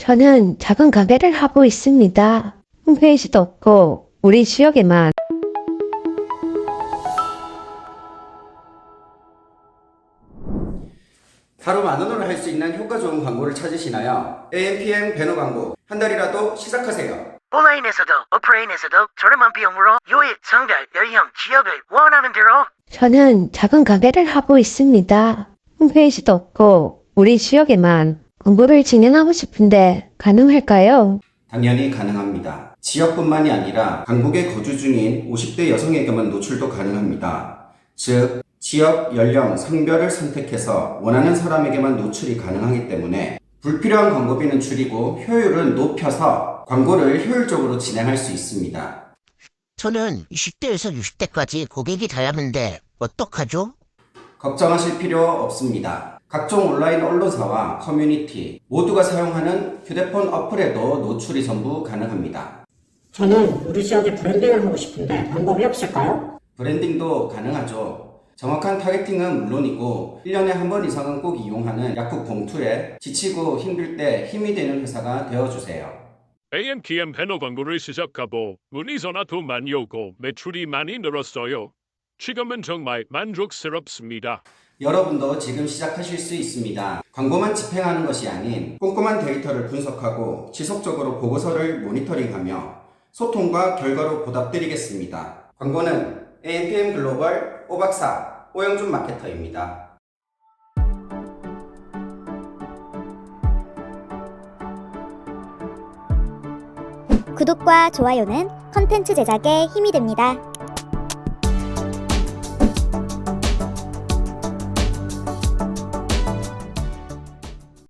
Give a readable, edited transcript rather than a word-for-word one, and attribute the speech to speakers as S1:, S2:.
S1: 저는 작은 가게를 하고 있습니다. 홈페이지도 없고 우리 지역에만.
S2: 하루 10,000원을 할 수 있는 효과 좋은 광고를 찾으시나요? AMPM 배너 광고 한 달이라도 시작하세요.
S3: 온라인에서도 오프라인에서도 저렴한 비용으로 요일, 성별, 연령, 지역을 원하는 대로.
S1: 저는 작은 가게를 하고 있습니다. 홈페이지도 없고 우리 지역에만. 광고를 진행하고 싶은데 가능할까요?
S2: 당연히 가능합니다. 지역뿐만이 아니라 강북에 거주 중인 50대 여성에게만 노출도 가능합니다. 즉, 지역, 연령, 성별을 선택해서 원하는 사람에게만 노출이 가능하기 때문에 불필요한 광고비는 줄이고 효율은 높여서 광고를 효율적으로 진행할 수 있습니다.
S4: 저는 20대에서 60대까지 고객이 다양한데 어떡하죠?
S2: 걱정하실 필요 없습니다. 각종 온라인 언론사와 커뮤니티 모두가 사용하는 휴대폰 어플에도 노출이 전부 가능합니다.
S5: 저는 우리 지역에 브랜딩을 하고 싶은데 방법이 없을까요?
S2: 브랜딩도 가능하죠. 정확한 타겟팅은 물론이고 1년에 한 번 이상은 꼭 이용하는 약국 봉투에 지치고 힘들 때 힘이 되는 회사가 되어주세요.
S6: AMPM 배너 광고를 시작하고 문의 전화도 많이 오고 매출이 많이 늘었어요. 지금은 정말 만족스럽습니다.
S2: 여러분도 지금 시작하실 수 있습니다. 광고만 집행하는 것이 아닌 꼼꼼한 데이터를 분석하고 지속적으로 보고서를 모니터링하며 소통과 결과로 보답드리겠습니다. 광고는 AMPM 글로벌 오박사 오영준 마케터입니다.
S7: 구독과 좋아요는 컨텐츠 제작에 힘이 됩니다.